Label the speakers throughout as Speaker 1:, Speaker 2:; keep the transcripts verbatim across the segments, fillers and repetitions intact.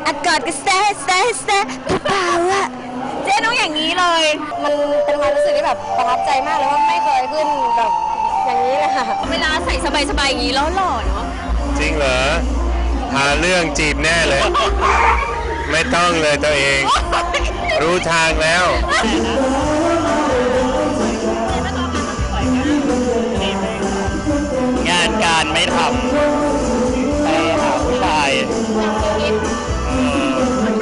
Speaker 1: อากอดก็แซ่แซ่แซ่เปล่าอะเจ๊ต้องอย่างนี้เลย
Speaker 2: มันเป็นความรู้สึกที่แบบประทับใจมากเลยว่าไม่เคยขึ้นแบบอย่างนี้เลยค่ะ
Speaker 1: เวลาใส่สบายๆอย่างนี้แล้วหล่อเนาะ
Speaker 3: จริงเหรอหาเรื่องจีบแน่เลย ไม่ต้องเลยตัวเอง รู้ทางแล้ว
Speaker 4: งานการไม่ทำไปหาผู้ชายเออ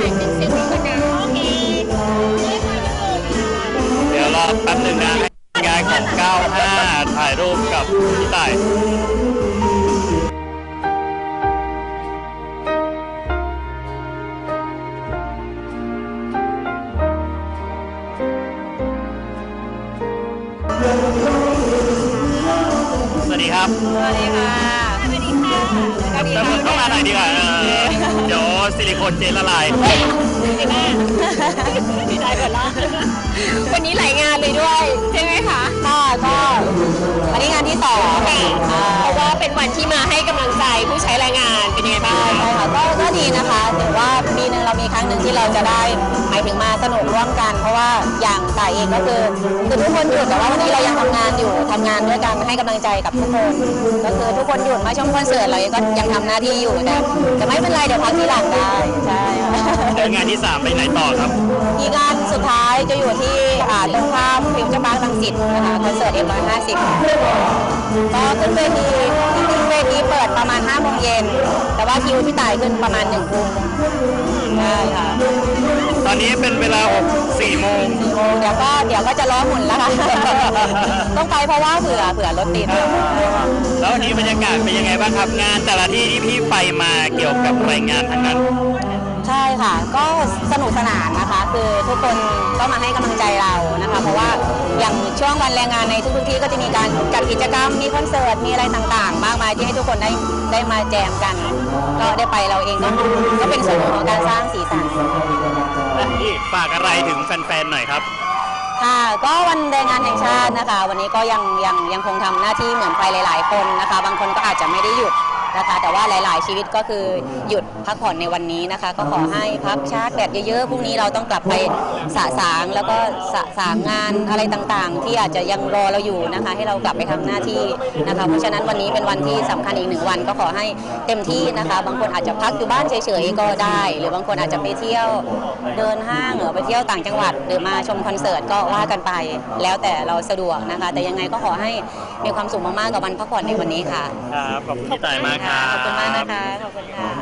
Speaker 4: เดี๋ยวรอแป๊บหนึ่งนะงานของเก้าห้าถ่ายรูปกับพี่ต่ายสวัสดีครับ
Speaker 1: สวัสดีค่ะสวัสดีค่ะสวัสดี
Speaker 4: แล้ว
Speaker 1: ค่ะ
Speaker 4: เข้ามาหน่อยดีกว่าเออเดี๋ยวซิลิโคนเจลละลาย
Speaker 1: ดีแม่ดีใจก่อนละวันนี้หลายงานเลยด้วยใช่ไหมคะ
Speaker 2: ค่ะก็วันนี้งานที่สอง
Speaker 1: เพราะว่าเป็นวันที่มาให้กำลังใจผู้ใช้แรงงานเป็นยังไงบ้าง
Speaker 2: ใช่ค่ะก็ก็ดีนะคะถือว่าปีหนึ่งเรามีครั้งหนึ่งที่เราจะได้หมายถึงมาสนุกร่วมกัน เพราะว่าอย่างต่ายเองก็คือคือทุกคนหยุดแต่ว่าวันนี้เรายังทำงานอยู่ทำงานด้วยกันให้กำลังใจกับทุกคนก็คือทุกคนหยุดมาชมคอนเสิร์ตเราก็ยังทำหน้าที่อยู่แต่แต่ไม่เป็นไรเดี๋ยวพักทีหลังได้ใช่ค่ะ
Speaker 4: เดี๋ยวงานที่สามไปไหนต่อครับ
Speaker 2: อีกงานสุดท้ายจะอยู่ที่อ่าตรงข้ามฟิวเจอร์พาร์ครังสิตนะคะคอนเสิร์ตเอ็มร้อยห้าสิบก็ขึ้นเวทีจริงๆเวทีเปิดประมาณห้าโมงเย็นแต่ว่าคิวพี่ต่ายขึ้นประมาณหนึ่งทุ่มใช่ค่ะ
Speaker 4: ตอนนี้เป็นเวลาหกสี่โมง
Speaker 2: สี่โมงเดี๋ยวก็เดี๋ยวก็จะล้อหมุนแล้วค่ะ ต้องไปเพราะว่าเผื่อเผื่อรถติด
Speaker 4: แล้ววันนี้บรรยากาศเป็นยังไงบ้างครับงานแต่ละที่ที่พี่ไปมาเกี่ยวกับรายงานทั้งนั้น
Speaker 2: ใช่ค่ะก็สนุกสนานนะคะ คือทุกคนก็มาให้กำลังใจเรานะคะ เพราะว่าอย่างช่วงวันแรงงานในทุกๆที่ก็จะมีการจัดกิจกรรมมีคอนเสิร์ตมีอะไรต่างๆ มากมายที่ให้ทุกคนได้ได้มาแจมกัน ก็ได้ไปเราเองก็ก็เป็นส่วนหนึ่งของการสร้างสีสัน
Speaker 4: และที่ฝากอะไรถึงแฟนๆหน่อยครับ
Speaker 2: ค่ะก็วันแรงงานแห่งชาตินะคะ วันนี้ก็ยังยังยังคงทำหน้าที่เหมือนใครหลาย ๆ คนนะคะ บางคนก็อาจจะไม่ได้หยุดนะคะ แต่ว่าหลาย ๆ ชีวิตก็คือหยุดพักผ่อนในวันนี้นะคะ ก็ขอให้พักชาร์จแบตเยอะ ๆ พรุ่งนี้เราต้องกลับไปสะสางแล้วก็สะสางงานอะไรต่าง ๆ ที่อาจจะยังรอเราอยู่นะคะ ให้เรากลับไปทำหน้าที่นะคะ เพราะฉะนั้นวันนี้เป็นวันที่สำคัญอีกหนึ่งวันก็ขอให้เต็มที่นะคะ บางคนอาจจะพักอยู่บ้านเฉย ๆ ก็ได้ หรือบางคนอาจจะไปเที่ยวเดินห้างหรือไปเที่ยวต่างจังหวัด หรือมาชมคอนเสิร์ตก็ว่ากันไป แล้วแต่เราสะดวกนะคะ แต่ยังไงก็ขอให้มีความสุขมาก ๆ กับวันพักผ่อนในวันนี้ค่ะ
Speaker 4: ครับ ขอบคุณพี่ต่ายมากครับ
Speaker 2: ขอบคุณมากนะคะ ขอบคุณค่ะ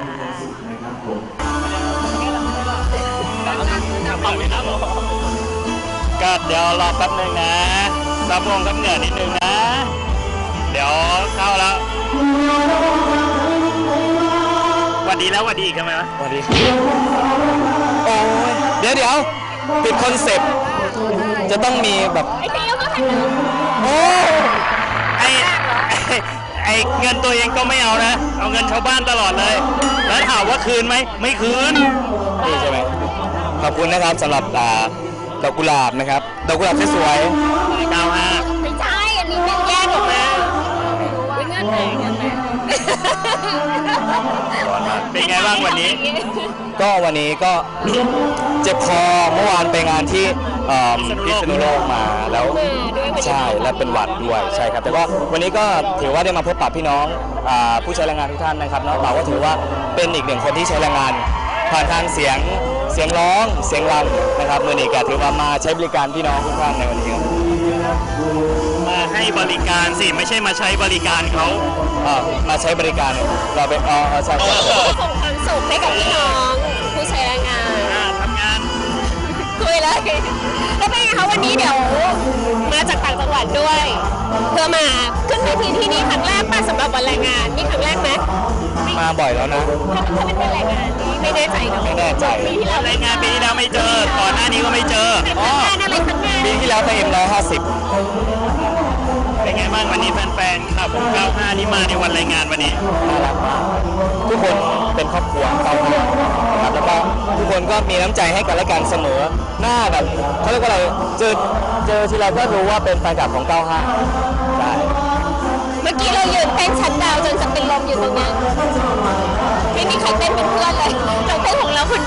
Speaker 4: ก็เดี๋ยวรอแป๊บนึงนะซับวงซับเหงื่อนิดนึงนะ เดี๋ยวเข้าแล้วหวัดดีแล้วหวัดดีอีกทำไมวะ
Speaker 5: สวัสดีครับโอ้ยเดี๋ยวเดี๋ยวปิดคอนเซปต์จะต้องมีแบบ
Speaker 1: ไอ้เตี้ยก็ทัน
Speaker 5: โอ้
Speaker 4: ไอไอ้ไอเงินตัวเองก็ไม่เอานะ เอาเงินชาวบ้านตลอดเลย แล้วถามว่าคืนไหม ไม่คืน
Speaker 5: ดีใช่ไหมขอบคุณนะครับสำหรับอ่าดอกกุหลาบนะครับดอกกุหลาบสวย
Speaker 4: เก้าห้า
Speaker 1: ไม่ใช่อันนี้เป็นแยกออกมาเป็นเงื่อนไขเงื่อนไข
Speaker 4: เป็นไงบ้างวันนี้
Speaker 5: ๆก็วันนี้ก็ เจ็บคอเมื่อวานไปงานที่เอ่อพิษณุโลกมาแล้วใช่และเป็นหวัดด้วยใช่ครับแต่ก็วันนี้ก็ถือว่าได้มาพบปะพี่น้องอ่าผู้ใช้แรงงานทุกท่านนะครับเนาะเราก็ถือว่าเป็นอีกหนึ่งคนที่ใช้แรงงานผ่านทางเสียงเสียงร้องเสียงรำนะครับมือนี้ก็ถือว่ามาใช้บริการพี่น้องทุกท่านในวันนี้ครับ
Speaker 4: มาให้บริการสิ ไม่ใช่มาใช้บริการเขา
Speaker 5: อ่ามาใช้บริการเนี่ยเราเป็นอ๋อใช่ใช่
Speaker 1: ส่งความสุขให้กับพี่น้องผู้ใช้แรงงาน
Speaker 4: อ่าทำงาน
Speaker 1: คุยเลยแล้วเป็นไงคะวันนี้เดี๋ยวมาจากต่างจังหวัดด้วย เพื่อมาขึ้นเวทีที่นี่ครั้งแรกป่ะสำหรับวันแรงงานนี่ครั้งแรกไหม
Speaker 5: มาบ่อยแล้วนะ
Speaker 1: ถ้าเป็นวันแรงงานนี่ไม่แน่ใจเนอะ
Speaker 5: ไม่แน่ใจ
Speaker 1: ปีที่แล้ว
Speaker 4: รายงานปีที่แล้วไม่เจอ ก่อนหน้านี้ก็ไม่เจอ
Speaker 1: เป็นงานอะไรครั้งแรก
Speaker 5: ปีที่แล้วไปเอ็มร้อยห้าสิบ
Speaker 4: เป็นไงบ้างวันนี้แฟนๆครับเก้าห้าที่มาในวันรายงานวันนี้
Speaker 5: น่ารักมากทุกคนเป็นครอบครัวเก้าห้านะครับแล้วก็ทุกคนก็มีน้ำใจให้กันและกันเสมอหน้าแบบเขาเรียกว่าอะไรเจอเจอทีไรก็รู้ว่าเป็นแฟนคลับของเก้าห้าใช่
Speaker 1: เมื่อกี้เรายืนเต้นชัดดาวน์จนจะเป็นลมอยู่ตรงนั้นไม่มีใครเต้นเป็นเพื่อนเลยเราเต้นของเราคน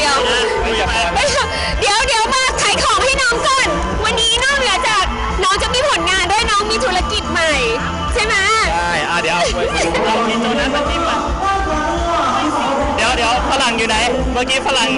Speaker 4: เรามีโจนัสมาจิ้มอ่ะเดี๋ยวเดี๋ยวฝรั่งอยู่ไหน เมื่อกี้ฝรั่ง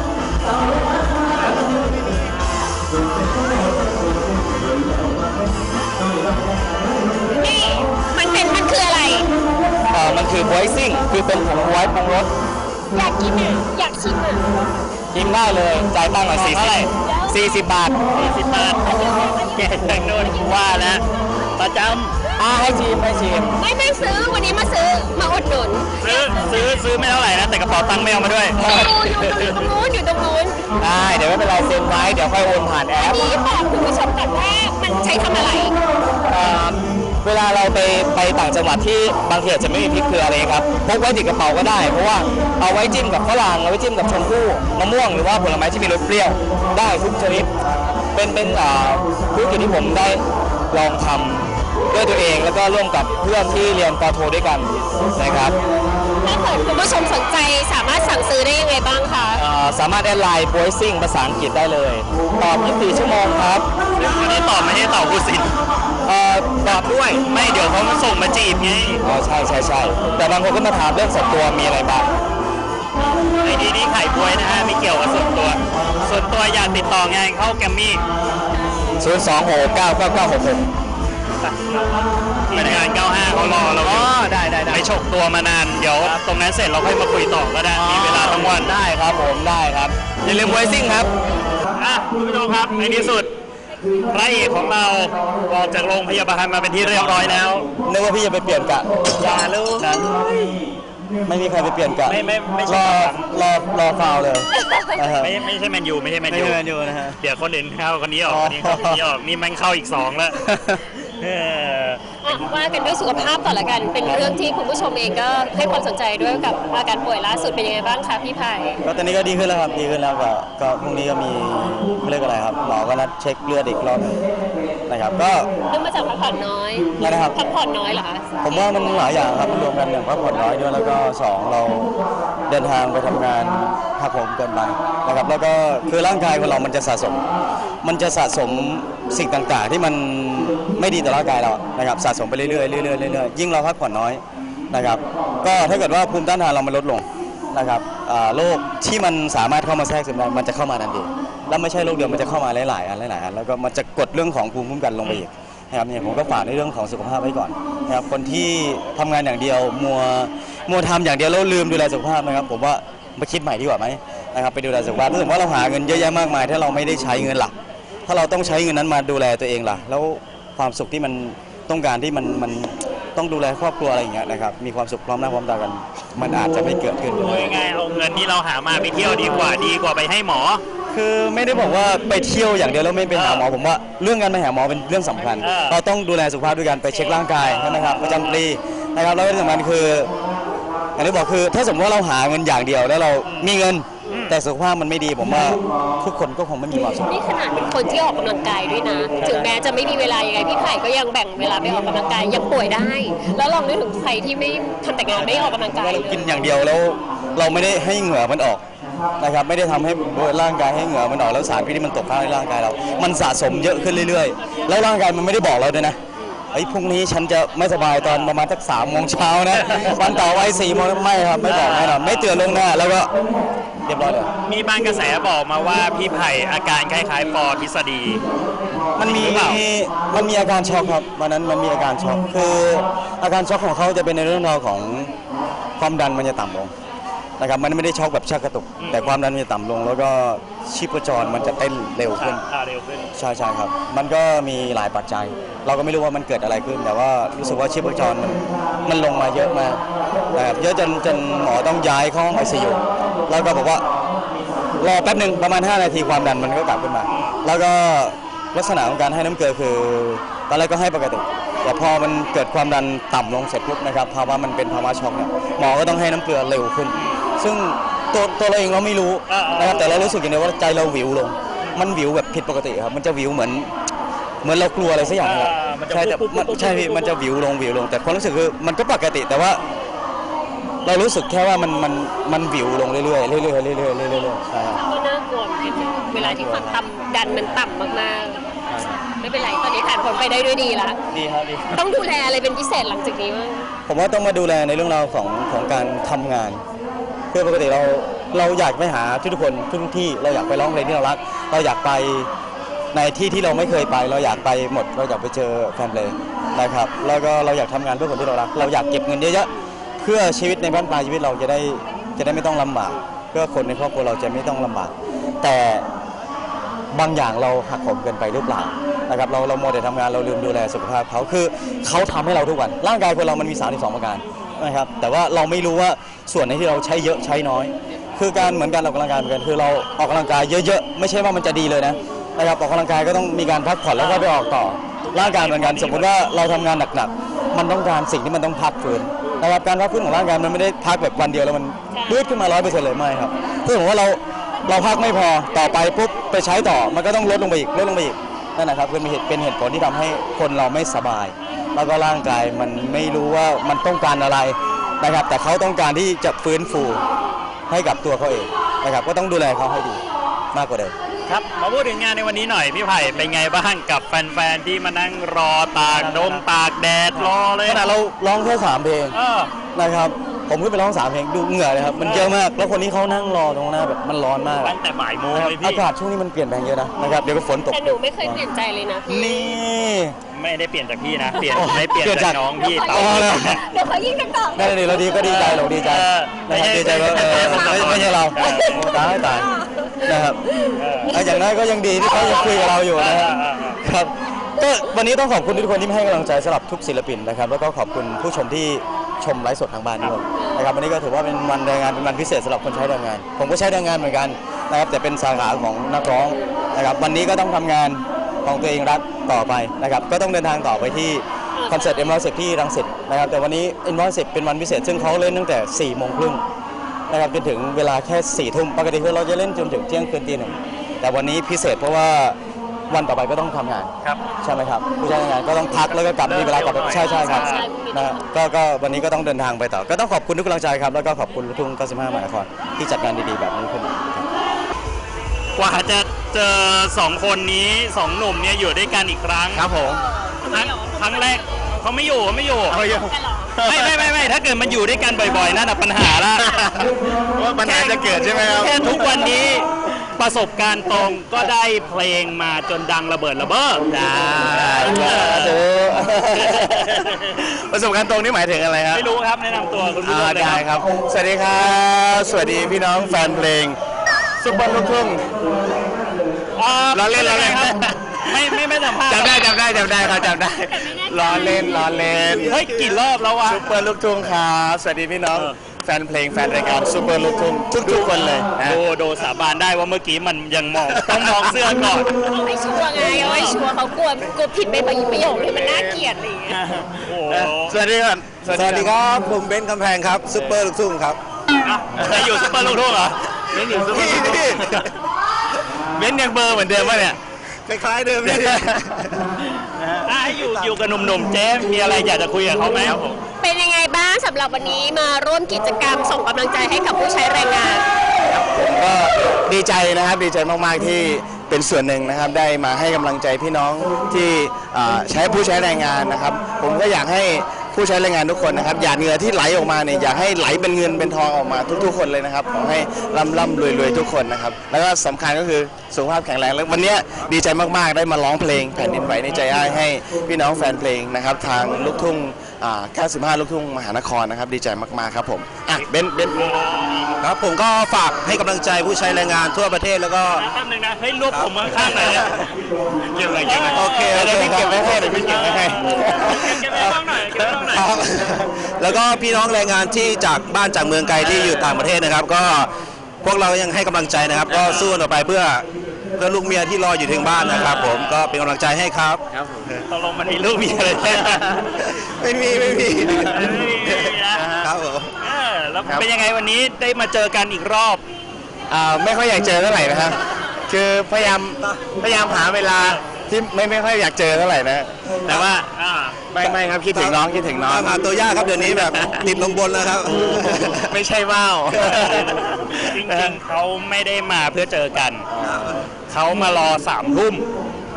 Speaker 1: นี่มันเป็นมันคืออะไร
Speaker 5: เอ่อมันคือไวซิ่งคือเป็นผงไว้ปรุงรส
Speaker 1: อยากกินอ่ะอยากชิมอ่ะ
Speaker 5: กินได้เลยจ่ายตังค์หน่อยสี่
Speaker 4: เท่าไหร่
Speaker 5: สี่สิบบาท
Speaker 4: สี่สิบบาทแกจากโน่นว่าแล้วประจ
Speaker 5: อ่าให้ชิมให้ชิม
Speaker 1: ไม่ไม่ซื้อวันนี้มาซื้อมาอุดหนุน
Speaker 4: ำซื้อซื้อซื้อไม่เท่าไหร่นะแต่กระเป๋าตังค์ไม่เอามาด้วย
Speaker 1: อยู่อยู่ตรงนู้นอยู่ตรงนู้น
Speaker 5: ได้เดี๋ยวไม่เป็นไรเซ็นไว้เดี๋ยวค่อยโอนผ่านแอ
Speaker 1: อัน
Speaker 5: ป
Speaker 1: นี้บอกคุณผู้ชมก่อนว่ามันใช้ทำอะไร
Speaker 5: เอ่อเวลาเราไปไปต่างจังหวัดที่บางทีอาจจะไม่มีพริกเกลืออะไรครับพกไว้ติดกระเป๋าก็ได้ เพราะว่าเอาไว้จิ้มกับฝรั่งเอาไว้จิ้มกับชมพู่มะม่วงหรือว่าผลไม้ที่มีรสเปรี้ยวได้ทุกชนิดเป็นเป็นอ่าธุรกิจที่ผมได้ลองทำด้วยตัวเองแล้วก็ร่วมกับเพื่อนที่เรียนปอโทด้วยกันนะครับ
Speaker 1: ถ้าเกิดคุณผู้ชมสนใจสามารถสั่งซื้อได้ยังไงบ้างคะ
Speaker 5: เอ่อสามารถแอดไลน์บอยซิ่งภาษาอังกฤษได้เลยตอบยี่สิบสี่ชั่วโมงครับ
Speaker 4: วันนี้ตอบไม่ได้ตอบผู้สิน
Speaker 5: เอ่อตอบด้วย
Speaker 4: ไม่เดี๋ยวเขามาส่งมาจีบไง
Speaker 5: อ๋อใช่ใช่ใช่แต่บางคนก็มาถามเรื่องส่วนตัวมีอะไรบ้าง
Speaker 4: ไอดีนี้ไข่บวยนะฮะไม่เกี่ยวกับส่วนตัว ส่วนตัวอยากติดต่องานเข้าแกรมมี่
Speaker 5: ศูนย์ สอง หก เก้า เก้า เก้า หก หก
Speaker 4: ทีมงานเก้าห้าเขารอเราอยู่ได้ได้ได้ไปฉกตัวมานาน เดี๋ยวตรงนั้นเสร็จเราค่อยมาคุยต่อก็ได้ มีเวลาทั้งวัน
Speaker 5: ได้ครับผมได้ครับอย่าลืมบอยซิ่งครับ
Speaker 4: อ่ะคุณผู้ชมครับในที่สุดพระเอกของเราออกจากโรงพยาบาลมาเป็นที่เรียบร้อยแล้ว
Speaker 5: นึกว่าพี่จะไปเปลี่ยนกะ
Speaker 4: อย่าลูกนะ
Speaker 5: ไม่มีใครไปเปลี่ยนกะ
Speaker 4: ไม่ไม่ไม่ใช่
Speaker 5: รอ
Speaker 4: ครับ
Speaker 5: รอรอฟาวเลยนะฮะ
Speaker 4: ไม่ไม่ใช่แมนยูไม่ใช่แมน
Speaker 5: ไม่
Speaker 4: ยู
Speaker 5: ใช่แมนยูนะฮะ
Speaker 4: เดี๋ยวคนอื่นเข้าคนนี้ออก
Speaker 5: อ๋อ
Speaker 4: คนนี้เข้าคนนี้ออกนี่มันเข้าอีกสองแล้วเออ
Speaker 1: อ่ะว่ากันด้วยสุขภาพก่อนละกัน เป็นเรื่องที่คุณผู้ชมเองก็ให้ความสนใจด้วยกับอาการป่วยล่าสุดเป็นยังไงบ้างคะพี่ไผ่
Speaker 5: ก็ตอนนี้ก็ดีขึ้นแล้วครับดีขึ้นแล้วก็ก็พรุ่งนี้ก็มีเรียกอะไรครับหมอก็นัดเช็คเลือดอีกรอบหนึ่งนะครับก็
Speaker 1: เรื่องมาจากพักผ่อนน้อย
Speaker 5: อะไรนะครับ
Speaker 1: พักผ่อนน้อยเหรอคะ
Speaker 5: ผมว่ามันหลายอย่างครับมันรวมกันหนึ่งพักผ่อนน้อยด้วยแล้วก็สองเราเดินทางไปทำงานหักโหมเกินไปนะครับแล้วก็คือร่างกายของเรามันจะสะสม มันจะสะสมสิ่งต่างๆ ที่มันไม่ดีต่อร่างกายเรานะครับสะสมไปเรื่อยๆเรื่อยๆเรื่อยๆยิ่งเราพักผ่อนน้อยนะครับก็ถ้าเกิดว่าภูมิต้านทานเรามันลดลงนะครับอ่าโรคที่มันสามารถเข้ามาแทรกซึมได้มันจะเข้ามาทันทีแล้วไม่ใช่โรคเดียวมันจะเข้ามาหลายๆอันหลายๆอันแล้วก็มันจะกดเรื่องของภูมิคุ้มกันลงไปอีกนะครับเนี่ยผมก็ฝากในเรื่องของสุขภาพไว้ก่อนนะครับคนที่ทำงานอย่างเดียวมัวมัวทำอย่างเดียวแล้วลืมดูแลสุขภาพนะครับผมว่ามาคิดใหม่ดีกว่าไหมนะครับไปดูแลสุขภาพรู้สึกว่าเราหาเงินเยอะแยะมากมายถ้าเราไม่ได้ใช้เงินหลักถ้าเราต้องใช้เงินนั้นมาดูแลตัวเองล่ะแล้วความสุขที่มันต้องการที่มันมันต้องดูแลครอบครัวอะไรอย่างเงี้ยนะครับมีความสุขพร้อมหน้าพร้อมตากันมันอาจจะไม่เกิดขึ้น
Speaker 4: พูดง่ายๆเอาเงินที่เราหามาไปเที่ยวดีกว่าดีกว่าไปให้หมอ
Speaker 5: คือไม่ได้บอกว่าไปเที่ยวอย่างเดียวแล้วไม่ไปหาหมอผมว่าเรื่องการไปหาหมอเป็นเรื่องสำคัญ
Speaker 4: เออ
Speaker 5: เราต้องดูแลสุขภาพด้วยกันไปเช็คร่างกายใช่ไหมครับประจำปีนะครับแล้วที่สำคัญคืออย่างที่บอกคือถ้าสมมติว่าเราหาเงินอย่างเดียวแล้วเรามีเงินแต่สุขภาพมันไม่ดีผมว่าทุกคนก็คงไม่มีความสุข
Speaker 1: นี่ขนาดเป็นคนที่ออกกำลังกายด้วยนะ ถึงแม้จะไม่มีเวลายังไงพี่ไผ่ก็ยังแบ่งเวลาไปออกกำลังกายยังป่วยได้ แล้วลองนึกถึงใครที่ไม่ทำแต่งานไม่ออกกำลังกาย
Speaker 5: ว่า
Speaker 1: เล
Speaker 5: เรา
Speaker 1: ย
Speaker 5: กินอย่างเดียวแล้วเราไม่ได้ให้เหงื่อมันออกนะครับไม่ได้ทำให้ร่างกายให้เหงื่อมันออกแล้วสารพิษที่มันตกค้างในร่างกายเรา มันสะสมเยอะขึ้นเรื่อยๆ แล้วร่างกายมันไม่ได้บอกเราด้วยนะไอ้ยพรุ่งนี้ฉันจะไม่สบายตอนประมาณสักสามโมงเช้านะวันต่อไปสี่โมงไม่ครับไม่บอกแน่นอนไม่เตือนล่วงหน้าแล้วก็เรียบร้อยเลย
Speaker 4: มีบางกระแสบอกมาว่าพี่ไผ่อาการคล้ายๆปอทฤษฎี
Speaker 5: มันมี
Speaker 4: หรือเปล่า
Speaker 5: มันมีอาการช็อกครับวันนั้นมันมีอาการช็อกคืออาการช็อกของเขาจะเป็นในเรื่องราวของความดันมันจะต่ำลงนะครับมันไม่ได้ช็อกแบบชักกระตุก แต่ความดันมันจะต่ำลง แล้วก็ชีพจรมันจะเต้นเร็วขึ้น
Speaker 4: อ่าเร็วขึ้น
Speaker 5: ใช่ใช่ครับ มันก็มีหลายปัจจัย เราก็ไม่รู้ว่ามันเกิดอะไรขึ้น แต่ว่ารู้สึกว่าชีพจรมันมันลงมาเยอะมากนะครับเยอะจนจนหมอต้องย้ายเข้าห้องไอซียูแล้วก็บอกว่ารอแป๊บหนึ่งประมาณห้านาทีความดันมันก็กลับขึ้นมา แล้วก็ลักษณะของการให้น้ำเกลือคือตอนแรกก็ให้ปกติ แต่พอมันเกิดความดันต่ำลงเสร็จปุ๊บนะครับภาวะมันเป็นภาวะช็อกเนี่ยหมอก็ต้องให้น้ำเกลือเร็วขึ้น ซึ่งตัวตัวเราเองเราไม่รู้นะครับแต่เรารู้สึกอย่างเดียวว่าใจเราวิวลง มันวิวแบบผิดปกติครับมันจะวิวเหมือนเหมือนเรากลัวอะไรสักอย่างครับใช่แต่มันใช่พี่มันจะวิวลงวิวลง แต่ความรู้สึกคือมันก็ปกติแต่ว่า เรารู้สึกแค่ว่ามันมันมันวิวลงเรื่อยๆเรื่อยๆเรื่อยๆเรื่อยๆเรื่อยๆใช่ครับ
Speaker 1: ก็น่ากลัวเหมือนกันเวลาที่ความดันมันต่ำมากๆไม่เป็นไรตอนนี้ผ่านพ้นไปได้ด้วยดีแล้ว
Speaker 5: ดีครับดี
Speaker 1: ต้องดูแลอะไรเป็นพิเศษหลังจากนี้มั้ง
Speaker 5: ผมว่าต้องมาดูแลในเรื่องราวของของการทำงานเพื่อปกติเราเราอยากไปหาทุกคนทุกที่เราอยากไปร้องเพลงที่เรารักเราอยากไปในที่ที่เราไม่เคยไป เราอยากไปหมดเราอยากไปเจอแฟนเพลงนะครับแล้วก็เราอยากทำงานเพื่อคนที่เรารักเราอยากเก็บเงินเยอะๆเพื่อชีวิตในบ้านปลายชีวิตเราจะได้จะได้ไม่ต้องลำบากเพื่อคนในครอบครัวเราจะไม่ต้องลำบากแต่บางอย่างเราหักโหมเกินไปหรือเปล่านะครับเราเราโมเดลทำงานเราลืมดูแลสุขภาพเขาคือเขาทำให้เราทุกวันร่างกายคนเรามันมีสามสิบสองประการนะครับแต่ว่าเราไม่รู้ว่าส่วนไหนที่เราใช้เยอะใช้น้อย คือการเหมือนการออกกำลังกายเหมือนกันคือเราออกกำลังกายเยอะๆไม่ใช่ว่ามันจะดีเลยนะนะครับออกกำลังกายก็ต้องมีการพักผ่อนแล้วก็ไปออกต่อร่างกายเหมือนกันสมมติว่าเราทำงานหนักๆมันต้องการสิ่งที่มันต้องพักฟื้นนะครับการพักฟื้นของร่างกายมันไม่ได้พักแบบวันเดียวแล้วมันยืดขึ้นมาร้อยเปอร์เซ็นต์เลยไม่ครับถ้าสมมติว่าเราเราพักไม่พอต่อไปปุ๊บไปใช้ต่อมันก็ต้องลดลงไปอีกลดลงไปอีกนั่นนะครับเป็นเหตุเป็นเหตุผลที่ทำให้คนเราไม่สบายแล้วก็ร่างกายมันไม่รู้ว่ามันต้องการอะไรนะครับแต่เขาต้องการที่จะฟื้นฟูให้กับตัวเขาเองนะครับก็ต้องดูแลเขาให้ดีมากกว่าเดิม
Speaker 4: ครับมาพูดถึงงานในวันนี้หน่อยพี่ไผ่เป็นไงบ้างกับแฟนๆที่มานั่งรอตากลมตากแดดรอเลย
Speaker 5: ขนาดเราร้องแค่สามเพลง
Speaker 4: เออ
Speaker 5: นะครับผมขึ้นไปร้องสามเพลงดูเหงื่อเลยครับมันเยอะมากแล้วคนนี้เขานั่งรอตรงหน้าแบบมันร้อนมาก
Speaker 4: ตั้งแต่บ่ายโมง
Speaker 5: นะครับ
Speaker 4: เลยพี่
Speaker 5: อากาศช่วงนี้มันเปลี่ยนแปลงเยอะนะนะครับเดี๋ยวก็ฝนตก
Speaker 1: แต่หนูไม่เคยเปลี่ยนใจเลยนะพี่
Speaker 5: นี่
Speaker 4: ไม่ได้เปลี่ยนจากพี่นะเปลี่ยน
Speaker 5: โอ้
Speaker 4: ไม่เปลี่ยน
Speaker 5: เปลี่ยน
Speaker 4: จา
Speaker 5: จาก ก
Speaker 4: น้องพี่
Speaker 5: อ๋อเหรอ
Speaker 1: เดี๋ยวเขายิ่งจะตอบ
Speaker 5: นั่นเลยเราดีก็ดีใจเราดีใจ
Speaker 4: เออ
Speaker 5: นะครับ
Speaker 4: ไม่
Speaker 5: ดี
Speaker 4: ใช่
Speaker 5: ใจว่าเออ
Speaker 4: ไม่
Speaker 5: ไม่
Speaker 4: ใช่
Speaker 5: ไม่ใช่เรา
Speaker 4: เออ
Speaker 5: โอ้ตายตายนะครับเอาอย่างน้อยก็ยังดีที่เขายังคุยกับเราอยู่นะฮะครับก็วันนี้ต้องขอบคุณทุกคนที่ให้กำลังใจสำหรับทุกศิลปินนะครับแล้วก็ขอบคุณผู้ชมที่ชมไลฟ์สดทางบ้านด้วยนะครับวันนี้ก็ถือว่าเป็นวันแรงงานเป็นวันพิเศษสำหรับคนใช้แรงงาน ผมก็ใช้แรงงานเหมือนกันนะครับแต่เป็นสาขาของนักร้องนะครับวันนี้ก็ต้องทำงานของตัวเองรักต่อไปนะครับก็ต้องเดินทางต่อไปที่คอนเสิร์ต เอ็ม ร้อยสิบ ที่รังสิตนะครับแต่วันนี้ เอ็ม ร้อยสิบ เป็นวันพิเศษซึ่งเขาเล่นตั้งแต่สี่โมงครึ่งนะครับจนถึงเวลาแค่สี่ทุ่มปกติคือเราจะเล่นจนถึงเที่ยงคืนตีหนึ่งแต่วันนี้พิเศษเพราะว่าวันต่อไปก็ต้องทำงาน
Speaker 4: ครับ
Speaker 5: ใช่ไหมครับผู้ใช้แรงงานก็ต้องพักแล้วก็กลับมีเวลากลับไปใช่ใช่ครับนะก็ก็วันนี้ก็ต้องเดินทางไปต่อก็ต้องขอบคุณทุกกำลังใจครับแล้วก็ขอบคุณลูกทุ่งเก้าสิบห้ามหานครที่จัดงานดีๆแบบนี้ขึ้น
Speaker 4: กว่าจะเจอสองคนนี้สองหนุ่มเนี่ยอยู่ด้วยกันอีกครั้ง
Speaker 5: ครับผม
Speaker 4: ครั้งครั้งแรกเขาไม่อยู่เขาไม่อยู่ไม่ไม่ไม่ไม่ถ้าเกิดมันอยู่ด้วยกันบ่อยๆนั่นน่ะปัญหาละ
Speaker 5: ว่าปัญหาจะเกิดใช่ไหมครับ
Speaker 4: แค่ทุกวันนี้ประสบการณ์ตรงก็ได้เพลงมาจนดังระเบิดระเบ้อได้
Speaker 5: ประสบการณ์ตรงนี่หมายถึงอะไรครับ
Speaker 4: ไม่รู้ครับแนะนำตัวคุณผู้ชมเลย
Speaker 5: ได้ครับ สวัสดีครับสวัสดีพี่น้องแฟนเพลงซุปเปอร์ลูกทุ่ง
Speaker 4: อ่า
Speaker 5: ล้อเล่นล้อเล่น
Speaker 4: ครับไม่ไม่ไม่สัมภาษณ์
Speaker 5: จำได้จำได้จำได้ครับจำได้ล้อเล่นล้อเล่น
Speaker 4: เฮ้ยกี่รอบแล้ววะ
Speaker 5: ซุปเปอร์ลูกทุ่งครับสวัสดีพี่น้อง
Speaker 4: เออ
Speaker 5: แฟนเพลงแฟนรายการซุปเปอร์ลูกทุ่งทุกๆคนเลยนะ
Speaker 4: โดโดสาบานได้ว่าเมื่อกี้มันยังมองต้องมองเสื้อก่อน
Speaker 1: ไม่ชัวร์ไงเอาไม่ชัวร์เขากลัวกลัวผิดไปประโยคที่มันน่าเกลียดอะไรอย่างเงี้ย
Speaker 4: โอ้โห
Speaker 5: สวัสดีครับสวัสดีครับผมเบนซ์กำแพงครับซุปเปอร์ลูกทุ่งครับ
Speaker 4: อ่ะจะอยู่ซุปเปอร์ลูกทุ่งเหรอเล่นอยู่ซุปเปอร์ลูกทุ่ง
Speaker 5: เบนซ์ยังเบอร์เหมือนเดิมป่ะเนี่ยคล้ายๆเดิมนี่
Speaker 4: อ่ะให้อยู่อยู่กับหนุ่มๆเจ๊มีอะไรอยากจะคุยกับเขาไหมครับผม
Speaker 1: เป็นยังไงบ้างสำหรับวันนี้มาร่วมกิจกรรมส่งกำลังใจให้กับผู้ใช้แรงงาน
Speaker 5: ผมก็ดีใจนะครับดีใจมากๆที่เป็นส่วนหนึ่งนะครับได้มาให้กำลังใจพี่น้องที่อ่าใช้ผู้ใช้แรงงานนะครับ ผมก็อยากให้ผู้ใช้แรงงานทุกคนนะครับหยาดเหงื่อที่ไหลออกมาเนี่ยอยากให้ไหลเป็นเงินเป็นทองออกมาทุกๆคนเลยนะครับขอให้ร่ำร่ำรวยรวยทุกคนนะครับแล้วก็สำคัญก็คือสุขภาพแข็งแรงแล้ววันนี้ดีใจมากๆได้มาร้องเพลงแผ่นดินไหวในใจอ้ายให้พี่น้องแฟนเพลงนะครับทางลูกทุ่งอ่าเก้าสิบห้าลูกทุ่งมหานครนะครับดีใจมากๆครับผมอ่ะเบนเบนครับผมก็ฝากให้กำลังใจผู้ใช้แรงงานทั่วประเทศแล้วก็
Speaker 4: แป๊บนึงนะเฮ้ยรวบผมข้างๆหน่อยเนี่ยเก็บอะไรเก็บอะไร
Speaker 5: โอเคเดี๋ยวพี่เก็บไว้ให้เดี๋ยวพี่เก็บไว้ให้
Speaker 4: เก็บไว้บ้างหน่อยเก็บไว้บ้างหน่อย
Speaker 5: ครับแล้วก็พี่น้องแรงงานที่จากบ้านจากเมืองไกลที่อยู่ต่างประเทศนะครับ ก็พวกเรายังให้กำลังใจนะครับ ก็สู้ต่อไปเพื่อเพื่อลูกเมียที่รออยู่ถึงบ้านนะครับ ผมก็เป็นกำลังใจให้ครับ
Speaker 4: ครับผมตกลงมันมีลูกมีอะไรเนี่ย
Speaker 5: ไม่มีไม่มี
Speaker 4: ไม่มีไม่มีนะครับ
Speaker 5: ผม
Speaker 4: เออแล้วเป็นยังไงวันนี้ได้มาเจอกันอีกรอบ
Speaker 5: อ่าไม่ค่อยอยากเจอเท่าไหร่นะครับคือพยายามพยายามหาเวลาที่ไม่ไม่ค่อยอยากเจอเท่าไหร่นะแต่ว่า
Speaker 4: อ่า
Speaker 5: ไม่ไม่ครับคิดถึงน้องคิดถึงน้องหาตัวยากครับเดี๋ยวนี้แบบติดลงบนแล้วครับ ไม่ใช่ว่าว
Speaker 4: จริงๆเขาไม่ได้มาเพื่อเจอกัน เขามารอสามทุ่ม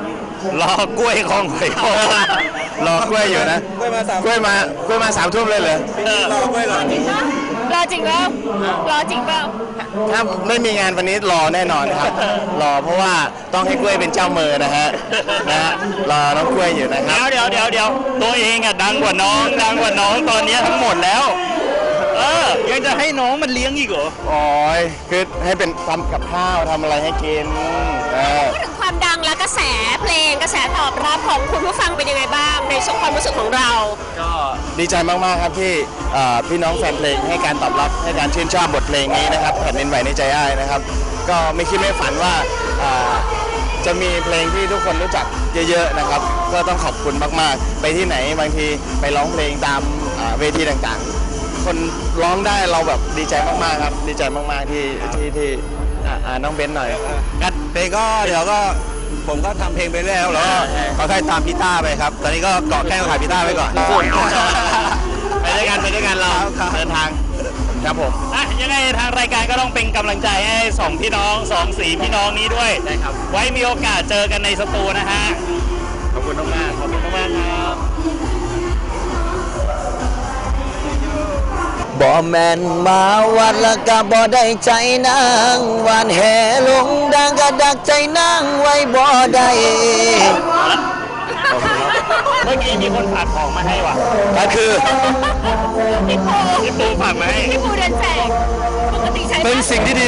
Speaker 4: รอกล้วยคลองหอยโข่ง
Speaker 3: รอกล้วยอยู่นะกล้วยมาสามกล้วยมากล้วยมาสามทุ่มเลยเหรอ
Speaker 4: เออ
Speaker 3: รอกล้วยก่อน
Speaker 1: รอจริงเปล่ารอจริงเปล่า
Speaker 3: ถ้าไม่มีงานวันนี้รอแน่นอนครับ รอเพราะว่าต้องให้กล้วยเป็นเจ้ามือนะฮะนะฮะรอน้องกล้วยอยู่นะค
Speaker 4: เดี๋
Speaker 3: รั
Speaker 4: ย
Speaker 3: บ
Speaker 4: วเดี๋ยวเดี๋ยวเดี๋ยวตัวเองอะดังกว่าน้องดังกว่าน้องตอนนี้ทั้งหมดแล้ว เออ ยังจะให้น้องมันเลี้ยงอีกเหรอ
Speaker 3: โอ้ยคือให้เป็นทำกับข้าวทำอะไรให้กินเออ
Speaker 1: พูดถึงความดังและกระแสเพลงกระแสตอบรับของคุณผู้ฟังเป็นยังไงบ้างในช่วงความรู้สึกของเรา
Speaker 3: ก็ดีใจมากๆครับที่เอ่อพี่น้องแฟนเพลงให้การตอบรับให้การชื่นชอบบทเพลงนี้นะครับแผ่นดินไหวในใจอ้ายนะครับ ก็ไม่คิดไม่ฝันว่าเอ่อจะมีเพลงที่ทุกคนรู้จักเยอะๆนะครับ ก็ต้องขอบคุณมากๆ ไปที่ไหนบางทีไปร้องเพลงตามอ่าเวทีต่างๆ คนร้องได้เราแบบดีใจมากๆครับดีใจมากๆที่ที่ที่อ่าอ่าน้องเบนซ์หน่อย
Speaker 6: กันเพลงก็เดี๋ยวก็ผมก็ทำเพลงไปเรื่อยแล้วแล้วก็ค่อยๆตามพี่ต้าไปครับ ตอนนี้ก็เกาะแก้วขายพี่ต้าไปก่อน
Speaker 3: ไปด้วยกันไปด้วยกันเราเดินทางครับผม
Speaker 4: อ่ะยังไงทางรายการก็ต้องเป็นกำลังใจให้สองพี่น้องสองสีพี่น้องนี้ด้วย
Speaker 3: ได้ครับ
Speaker 4: ไว้มีโอกาสเจอกันในสตูนะฮะ
Speaker 3: ขอบคุณมากๆขอบคุณมากๆครับ
Speaker 6: บ่แม่นมาวัดละกะบ่ได้ใจนางหวานแห่ลงดังกะดักใจนางไว้บ่ได้
Speaker 4: เมื่อกี้มีคนฝากของมาให้ว่ะ
Speaker 6: ก็คือ
Speaker 1: พี่ปู
Speaker 4: พี่ปูฝากมาให้
Speaker 1: พี่ปูเดินแจกปกติใช้
Speaker 6: เป็นสิ่งที่ดี